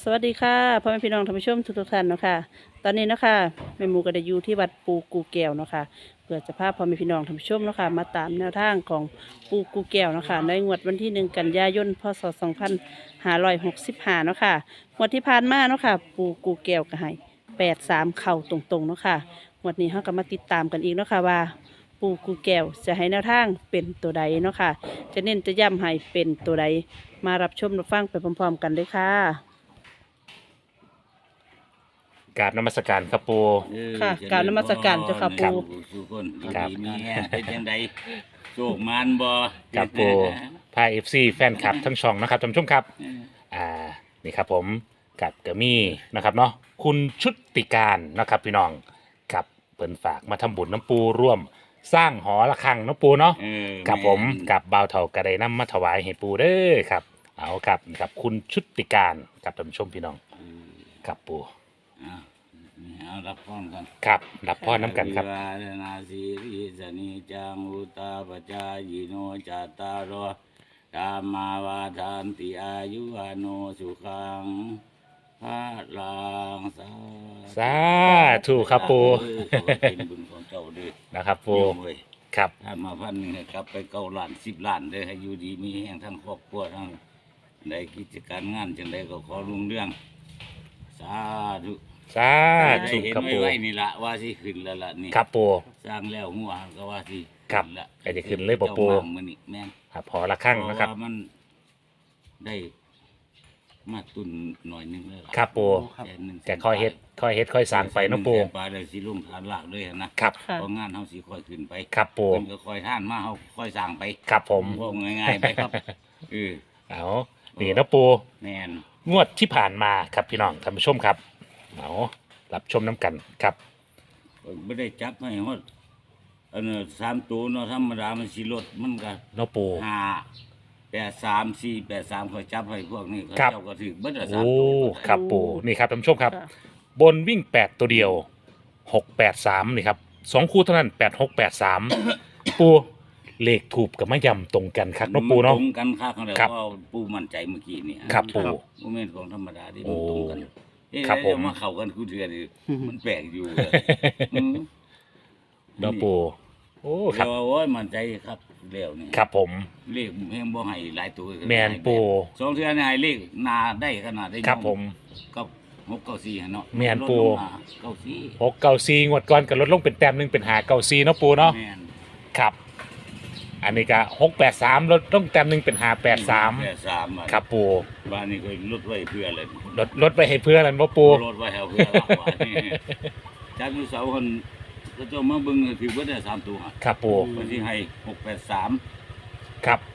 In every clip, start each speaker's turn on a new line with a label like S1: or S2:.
S1: สวัสดีค่ะพ่อแม่พี่น้องท่านผู้ชมทุกท่านเนาะค่ะตอนนี้เนาะค่ะแม่หมูก็ได้อยู่ที่วัดปูกูแก้วเนาะค่ะเพื่อจะพาพ่อแม่พี่น้องท่านผู้ชมเนาะค่ะมาตามแนวทางของปูกูแก้วเนาะค่ะในงวดวันที่1 กันยายนพศ2565เนาะค่ะงวดที่ผ่านมาเนาะค่ะปูกูแก้วก็ให้83เข้าตรงๆเนาะค่ะงวดนี้เราก็มาติดตามกันอีกเนาะค่ะว่าปูกูแก้วจะให้แนวทางเป็นตัวใดเนาะค่ะจะเน้นจะย้ำให้เป็นตัวใดมารับชมรับฟังไปพร้อมๆกันเลยค่ะ
S2: กราบนมัสการครับปู
S1: ค่ะกราบนมัสการเจ้าค่ะปู่
S3: สุคน
S2: ครับ
S3: ดีมีแห้งเป็นยังไงโชคมานบ่
S2: ครับปูพาเอฟซีแฟนคลับทั้งช่องนะครับท่านผู้ชมครับนี่ครับผมกับเกมี่นะครับเนาะคุณชุติการนะครับพี่น้องกับเปิ่นฝากมาทำบุญน้ำปูร่วม สร้างหอระฆังน้ำปูเนาะ กับผมกับบ่าวเถากระไดน้ำมาถวายให้ปูเด้อครับเอาครับนี่ครับคุณชุติการกับท่านผู้ชมพี่น้องกับปู
S3: เอารับพรกัน
S2: ครับรับพ่อน้ำกันครับ
S3: อภิวาทนาสีริสนิจังอุตาปจายโนจัตตารโอธรรมาวาทานติอายุวโนสุขังพระลัง
S2: สาธุครับปู
S3: ขอเป็นบุญของเจ้าเด้อ
S2: นะครับปู
S3: โยมเว้ย
S2: ครับ
S3: ถ้ามาพันหนึ่งให้กลับไป9 ล้าน10 ล้านเลยให้อยู่ดีมีแห่งทั้งครอบครัวทั้งได้กิจการงานจังใดก็ขอรุ่งเรื่องสาธุ
S2: สา
S3: ได้
S2: ธุ
S3: เห็น
S2: ครับ
S3: ไว้
S2: ปู
S3: ไว้นี่ละว่าสิขึ้นแล้วล่ะนี่
S2: ครับปู
S3: สร้างแล้วหัวก็ว่าสิ
S2: ครับ
S3: ขึ้นละ
S2: ไอ้จะขึ้นเลยบ่ปู่
S3: จ้ามามื้อนี้แม่น
S2: ครับหอระฆังนะครับ
S3: เพาว่ามันได้มาตุนหน่อยหนึงแล้วล่ะ
S2: ครับปู
S3: แสนหนึ่ง
S2: แต่ค่อยเฮ็ดค่อยสร้างไปเนาะปู
S3: แสนปลายเลยสิลงฐานหลักเลยนะครับ
S1: ค่ะ
S3: เพราะงานเฮาสิค่อยขึ้นไป
S2: ครับปู
S3: เพิ่นก็ค่อยท่านมาเฮาค่อยสร้างไป
S2: ครับผม
S3: พวกง่ายๆไปครับเออ
S2: เอานี่เนาะปู
S3: แม่น
S2: งวดที่ผ่านมาครับพี่น้องท่านผู้ชมครับเอารับชมน้ำกันครับ
S3: ไม่ได้จับให้ฮอดอันนั้น3 ตัวเนาะธรรมดามันสิลดมันก็
S2: เนาะปู
S3: 5 8 3 4 8 3ค่อยจับให้พวกนี้เขา
S2: ครับ
S3: เจ้าก็ถึกเบิดละ
S2: โอ้
S3: 3 ตัว
S2: ครับปูนี่ครับท่านผู้ชมครับ
S1: ค่ะ
S2: บนวิ่ง8ตัวเดียว683นี่ครับ2คู่เท่านั้น8683 ปูเลขถูกกับมะยำตรงกันครับเนาะปูเนาะ
S3: ตรงกันคักนั่นแหละ
S2: ครับ
S3: ว่าปูมั่นใจเมื่อกี้นี่
S2: ครับปู
S3: บ่แม่นของธรรมดาที่มันตรงกัน
S2: โอ้ครับผม
S3: มาเข้ากันคู่เทื่อนี่มันแปลกอยู่อืม
S2: เนาะปูโอ้ครับ
S3: เดี๋ยวโอ้ยมั่นใจครับแล้วนี่
S2: ครับผม
S3: เลขแฮงบ่ให้หลายตัว
S2: แม่นปู
S3: สองเทื่อนี่ให้เลขหนาได้ขนาดได้
S2: ครับผม
S3: กับ694หั่นเนาะ
S2: แม่นปู
S3: ลดลงมา94
S2: 694งวดก่อนกับลดลงเป็นแต้มหนึงเป็น594เนาะปูเนาะ
S3: แม่น
S2: ครับ อันนี้ก็683ลดลงแต้มหนึงเป็น583
S3: 83
S2: ครับปู
S3: บ้านนี้เคยลดไว้เพื่ออะไร
S2: ลดไปให้เพื่อนแล้วบ่ปู
S3: ลดไว้ให้เพื่อหลักว่านี่จากอยู่เสาคนก็จะมาเบิ่งถือว่าได้3 ตัว
S2: ครับปู
S3: วันที่ให้683
S2: ครับ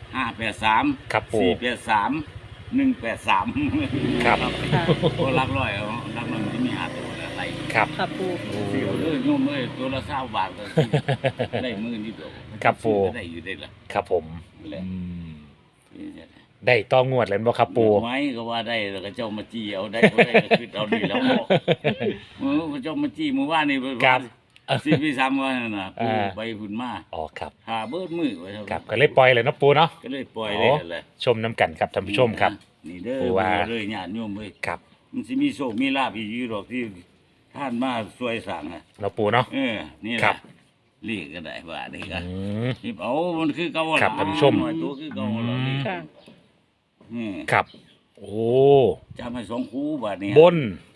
S3: 583
S2: ครับปู่
S3: 483 183
S2: ครับ
S1: ค่ะ
S3: ก็หลักร้อยเอาหลักร้อยมันจะมี5 ตัวอะไร
S2: ครับ
S1: ค่ะปู
S3: เสียวเลยโยมเอ้ยตัวละ20 บาทก็ได้มื้อนิดเดียว
S2: ครับปู่
S3: ก็ได้อยู่ได้ล่ะ
S2: ครับผม
S3: แหละ
S2: อืม
S3: นี่แหละ
S2: ได้ต้องงวดแล้วบ่ครับปู
S3: ไม้ก็ว่าได้แล้วก็เจ้ามาจี้เอาได้ก็ได้ก็คือเอาดีแล้วบอกเจ้ามาจี้มื้อวานนี่
S2: ครับ
S3: สิพี่ซ้ำว่านั่นน่ะปูไปพุ่นมา
S2: อ๋อครับ
S3: หาเบิดมือไว้เท่า
S2: ครับก็เลยปล่อยเลยเนาะปูเนาะ
S3: ก็เลยปล่อยเลยนั่นแหละ
S2: ชมน้ำกันครับท่านผู้ชมครับ
S3: นี่เด้อ
S2: ปู่ว่า
S3: เลยญาติโยมเอ้ย
S2: ครับ
S3: มันสิมีโชคมีลาภอีกอยู่ดอกที่ท่านมาช่วยสั่งอ่ะ
S2: เนาะปูเนาะ
S3: นี่แห
S2: ครั
S3: ละ
S2: บ
S3: เรียกก็ได้ว่านี่ก็
S2: อืม
S3: นี่เอามันคือเก่า
S2: ครับท่านผู้ชม
S3: หน่อยตัวคือเก่าแล้วนี่
S1: ค่ะ
S3: นี่
S2: ครับ โอ้
S3: จำให้2 คู่บาดนี้
S2: บน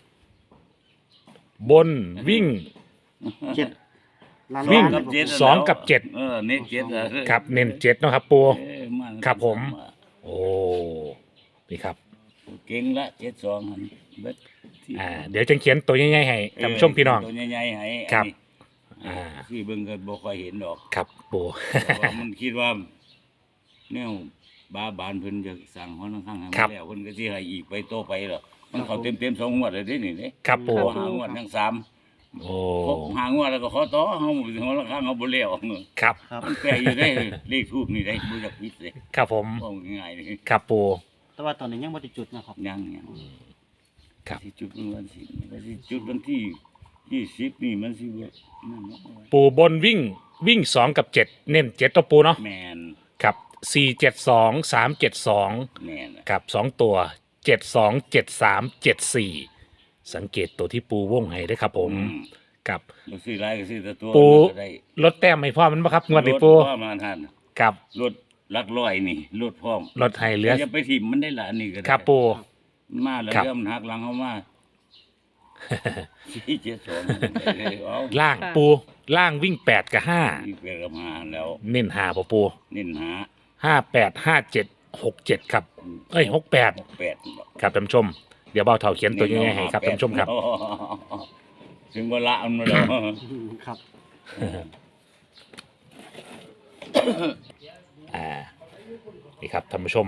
S2: บนวิ่ง
S4: เจ็ดล้าน
S2: วิ่ง
S4: ล้าน
S3: กับเจ็ด
S2: สองกับเจ็ด
S3: เน้น7อะ
S2: ครับเน้น7เนาะครับปู
S3: มา
S2: ครับผม โอ้นี่ครับ
S3: เก่งละ72หั่นเบิดที่
S2: เดี๋ยวจะเขียนตัวง่ายๆให้ท่านผู้ชมพี่น้อง
S3: ตัวใหญ่ๆให้
S2: ครับ
S3: อันนี้คือเบิ่งก็บ่ค่อยเห็นดอก
S2: ครับปู
S3: เพราะว่ามันคิดว่าแนวบาบานเพิ่นจะสั่งฮ้อนข้างๆให้มันแล้วเพิ่นก็สิให้อีกไปโตไปหรอกมันเข้าเต็มๆ2 งวดเลยเด้นี่เด้
S2: ครับปู
S3: หางวดทั้ง3
S2: โอ้
S3: ครบ5 งวดแล้วก็ขอต่อเฮาฮ้อนข้างเฮาบ่แล้ว
S2: ครับ
S4: ครับ
S3: มันแปลอยู่ได้เลขทูปนี่ได้บ่อยากผิดเลย
S2: ครับผม
S3: ว่าง่ายๆนี่
S2: ครับปู
S4: แต่ว่าตอนนี้ยังไม่ได้จุดนะครับ
S3: ยัง
S2: ครับ
S3: สิจุดวันสิจุดวันที่20นี่มันสิบ่นั่นเนาะ
S2: ปูบนวิ่ง2กับ7เน้น7ตัวปูเนาะ
S3: แม่น
S2: ครับ472 372
S3: แม่นน่ะ
S2: กับ2ตัวสังเกตตัวที่ปูวงให้ได้อครับผมกับ
S3: บ่ซื้อหลายก็ซื้อแต่ตัว
S2: ปู
S3: ก็ได้
S2: ลดแต้มให้พ่อมันบ่ครับงวดนี้ปู
S3: รถพ่อมาทัน
S2: กับ
S3: รถหลักร้อยนี่รถพร้อม
S2: ลดให้เหลือ
S3: อย่าไปถิ่มมันได้ละอันนี้ก็ได้
S2: ครับปู
S3: มาแล้ว
S2: ครับ
S3: เริ่มหักหลังเข้ามาที่เจ็ดสองเอา
S2: ล่างปูล่างวิ่ง8กับ
S3: อีกเปกับมาแล้ว
S2: 5เน้น5บ่ปู
S3: เน้นหา
S2: 58 57 67ครับเอ้ย68
S3: แปด
S2: ครับท่านผู้ชมเดี๋ยวเบาเท่าเขียนตัวยังไงให้ครับท่านผู้ชมครับ
S3: ถึงเวลาเอามาแล้ว
S4: ครับ
S2: นี่ครับท่านผู้ชม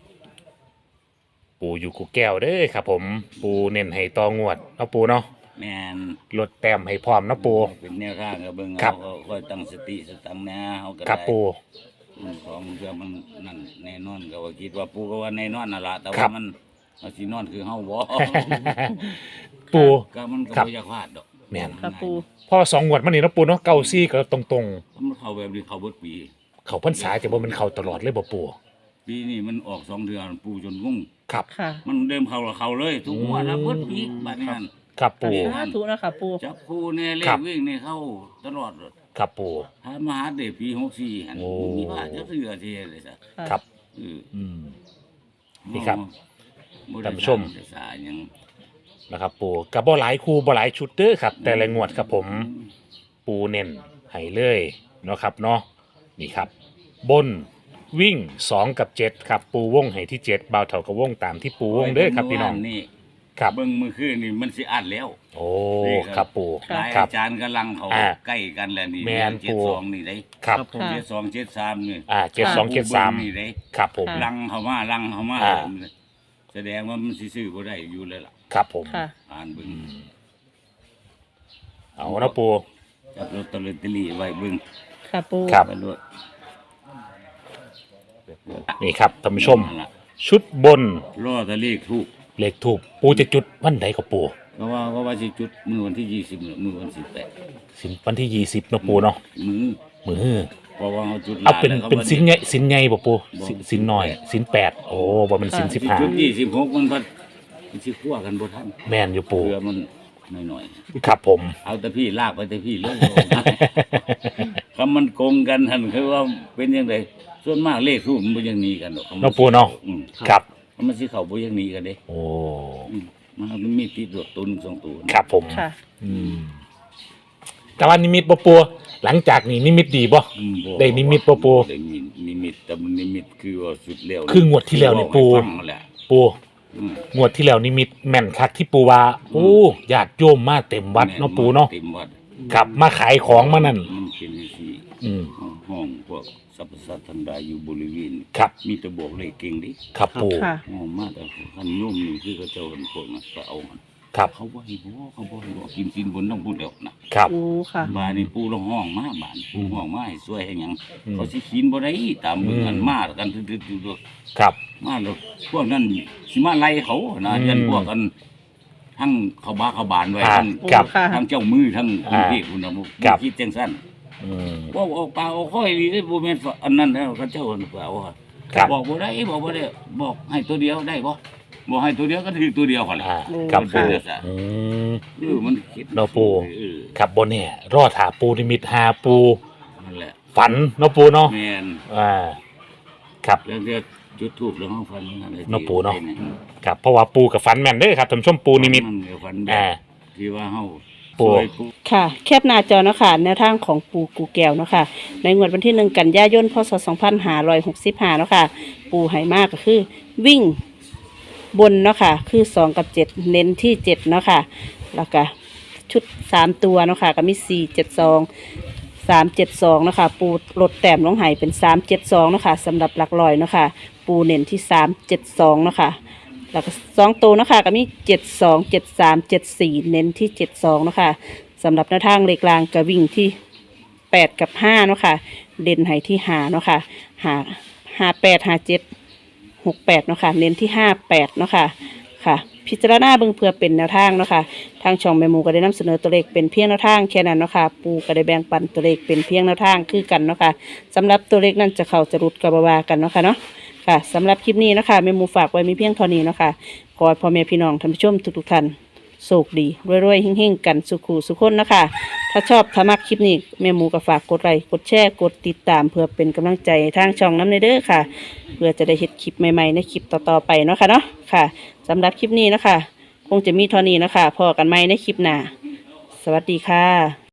S2: ปูอยู่กูแก้วเด้อครับผมปูเน้นให้ตองวดเนาะปูเนาะ
S3: แม่น
S2: ลดแต้มให้พร้อมเนาะปู
S3: เป็นแนวทางกับเบิ่ง
S2: ครั
S3: เอา
S2: บ
S3: ค่อยตั้งสติสตังค์แน่เฮาก็
S2: ครับ
S3: ได้
S2: ปู
S3: ของเพื่อมันนั่นแน่นอนก็ว่าคิดว่าปูก็ว่าแน่นอนน่ะล่ะแต่
S2: ครั
S3: ว่า
S2: บ
S3: มันเอาสินอนคือเฮาบ่
S2: ปู
S3: ก็มันก็
S2: ครับ
S3: บ่อยากพลาดดอก
S2: แม่น
S1: ค่ะปู
S2: พ่อ2งวดมานี่เนาะปูเนาะเก้าซี่ก็ตรง
S3: มันเข้าแบบนี้เข้าเบิดปี
S2: ๆ เขาพรรษาแต่ว่ามันเข้าตลอดเลยบ่ปู
S3: ปีนี้มันออก2 เดือนปูจนงง
S2: ครับ
S1: ค่ะ
S3: มันเดิมเข้าแล้วเข้าเลยทุกงวดนะเบิดปีบัดนี้นั่น
S2: ครับปู
S1: สาธุนะคะปู
S3: จับคู่แน่เล
S2: ครั
S3: ข
S2: บ
S3: วิ่งนี่เข้าตลอดเลย
S2: ครับปู
S3: ถ้ามาหาเด็กปี64หั่น
S2: โอ้
S3: มีว่าจะเสือที่เลยซะ
S2: ครับ
S3: เออ
S2: อืม นี่ครับ
S3: บ่ได้
S2: ท่านผู้ชม
S3: ได้สายหยัง
S2: นะครับปูกับบ่หลายคู่บ่หลายชุดเด้อครับ แต่ละงวดครับผม ปูเน้นให้เลยเนาะครับเนาะนี่ครับ บนวิ่ง2กับ7ครับปูวงให้ที่7บ่าวเท่ากับวงตามที่ปูวงเด้อครับพี่น้อง
S3: นี่
S2: ครับ
S3: เบิ่งมื้อคืนนี่มันสิอัดแล้ว
S2: โอ้
S3: นี่ครับ
S2: ครับปู
S3: หลาย
S2: ครั
S3: อา
S2: บ
S3: จารย์กำลังเขา
S2: อ่า
S3: ใกล้กันแล้วนี่
S2: แม่น
S3: เจ็ด
S2: ปู่
S3: สองนี่ได้
S2: ครับ
S4: ครับผม
S1: ค่ะ
S3: 72 73นี่
S2: 72
S3: นี่ได้
S2: 73ครับผม
S1: ค่ะ
S3: ลังเข้ามาลังเข้ามา
S2: อ่า
S3: แสดงว่ามันสิซื้อบ่ได้อยู่แล้วล่ะ
S2: ครับผม
S1: ค่ะ
S3: อ่านเบิ่ง
S2: เอานะปู
S3: จับลอตเตอรี่ไว้เบิ่ง
S1: ค่ะปู
S2: ครับ
S3: ไว้ด้วย
S2: นี่ครับท่านผู้ชม
S3: นั่นล่ะ
S2: ชุดบน
S3: รอแตะเลขถูก
S2: เลขถูกปูจะจุดวันใดกับปู
S3: ก็ว่าสิจุดมื้อวันที่20มื้อวัน18
S2: สินวันที่20เนาะปูเนาะ
S3: มื้อ
S2: มือ
S3: เพราะว่าเขาจุด
S2: เอาเป็น
S3: แล้วขา
S2: เป็น
S3: บ่ได้
S2: สินใหญ่สินใหญ่บ่ปู
S3: บ่
S2: สินน้อยสิน8โอ้บ่แมันสิน
S3: สิ
S2: 15
S3: จุด26มันพัดสิคั่วกันบ่ทัน
S2: แม่นอยู่ปู
S3: เพื่อมันหน่อย
S2: ครับผม
S3: ๆเอาแต่พี่ลากไปแต่พี่เลย คำมันโกงกันท่านคือว่าเป็นจังไดส่วนมากเลขทูปมันบ่อยังหนี้กันดอก
S2: เนาะปูเนาะ
S3: อืม
S2: ครับ
S3: มันสิเข้าบ่อยังหนี้กันเด้
S2: โอ้
S3: มันมีติดรถตุน2ตัว
S2: ครับผม
S1: ค่ะ
S2: อืมแต่ว่านิมิตบ่ปูหลังจากนี้นิมิตดีบ่
S3: อืมบ่
S2: ได้นิมิตบ่ปู่
S3: ได้นิมิตแต่มันนิมิตคือว่าสุดแล้ว
S2: คืองวดที่แล้วนี่ปู่
S3: บอกให้ฟังนั่นแหละ
S2: ปู
S3: อืม
S2: งวดที่แล้วนิมิตแม่นคักที่ปูว่าโอ้ญาติโยมมาเต็มวัดเนาะปูเนาะ
S3: เต็มวัด
S2: ครับมาขายของมานั่น
S3: มันเป็นสิ
S2: อืม
S3: ห้องพวกสรรพสัตว์ทั้งหลายอยู่บริเวณ
S2: ครับ
S3: มีแต่บอกเลขเก่งดิ
S2: ครับปู
S1: ค่ะ
S3: ห้องมาแต่คันโยมนี่คือเขาเจ้ากันพวกนั้นก็เอามัน
S2: ครับ
S3: เขาบ่ให้บอกเขาบ่ให้บอกกินสินบนต้องพูดแล้วนะครับ
S1: ปูค่ะ
S3: บานนี่ปู่ลงห้องมาบ้านปู่ห้องมาให้ช่วยให้หยัง
S2: อืม
S3: เขาสิกินบ่ได้ตามเมืองกัน
S2: อืม
S3: มากันทึดๆอยู่ด้วย
S2: ครับ
S3: มาแล้วพวกนั้นสิมาไล่เขานะ
S2: อืม
S3: ยันพวกกันทั้งเขาบ้าเขาบานไว้
S2: อ่า
S3: ทั้ง
S2: ครับ
S1: ค่ะ
S3: ทั้งเจ้ามือทั้งกรุงเทพ
S2: อ่า
S3: คุณนะบ่
S2: ครับ
S3: คิดจังซั่น
S2: อืม
S3: ว่าเอาปลาเอาค่อยดีได้บ่แม่นว่าอันนั้นแล้วเขาเจ้าเพิ่นเอาอะ
S2: ครับ
S3: บอกบ่ได้บอกบ่ได้บอกให้ตัวเดียวได้บ่บอกให้ตัวเดียวก็ถือตัวเดียวหั่นแหละ
S2: อ่า
S1: โอ้
S2: ครับปู
S3: ค่ะ
S2: อืม
S3: มันคิด
S2: เนาะปู่
S3: เออ
S2: ครับบนเนี่ยรอดหาปูนิมิตหาปู
S3: นั่นแหละ
S2: ฝันเนาะปูเนาะ
S3: แม่น
S2: อ่าครับ
S3: แล้วเดี๋ยวจุดทูบแล้วเฮาฟันนั่นแหละ
S2: เนาะปู่เนาะ ครับเพราะว่าปูกับฝันแม่นเด้อครับท่านผู้ชมปูนิมิต
S3: เดี๋ยวฟัน
S2: อ่า
S3: ที่ว่าเฮา
S2: ปู่
S3: ช่วยปู่
S1: ค่ะ แคบหน้าจอเนาะค่ะแนวทางของปูกูแก้วเนาะค่ะ ในงวดวันที่1 กันยายน พศ 2565เนาะค่ะ ปูไหมากก็คือ วิ่งบนเนาะค่ะ คือ2กับ7เน้นที่7เนาะค่ะ แล้วก็ชุด3ตัวเนาะค่ะ ก็มี472 372เนาะค่ะปูลดแต้มลงใหายเป็น372เนาะค่ะสำหรับหลักร้อยเนาะค่ะ ปูเน้นที่372เนาะค่ะ แล้วก็2ตัวเนาะค่ะก็มี72 73 74เน้นที่72เนาะค่ะสำหรับแนวทางเลขกลางก็วิ่งที่8กับ5เนาะค่ะเด่นให้ที่5เนาะค่ะ58 57 68เนาะค่ะเน้นที่58เนาะค่ะค่ะ พิจารณาเบิ่งเพื่อเป็นแนวทางเนาะค่ะทางช่องแม่หมูก็ได้นำเสนอตัวเลขเป็นเพียงแนวทางแค่นั้นเนาะค่ะปูก็ได้แบ่งปันตัวเลขเป็นเพียงแนวทางคือกันเนาะค่ะสำหรับตัวเลขนั้นจะเข้าจะรุดกับบาวากันเนาะค่ะเนาะค่ะสำหรับคลิปนี้เนาะค่ะแม่หมูฝากไว้มีเพียงเท่านี้เนาะค่ะขอให้พ่อแม่พี่น้องท่านผู้ชมทุกๆท่านโชคดีรวยๆเฮงๆกันสุขสุขคนนะคะถ้าชอบถ้ามักคลิปนี้แม่หมูก็ฝากกดไลค์กดแชร์กดติดตามเพื่อเป็นกำลังใจให้ทางช่องน้ำในเด้อค่ะ เพื่อจะได้เห็นคลิปใหม่ๆในคลิปต่อๆไปเนาะค่ะเนาะค่ะสำหรับคลิปนี้นะคะคงจะมีเท่านี้นะคะพอกันไหมในคลิปหน้าสวัสดีค่ะ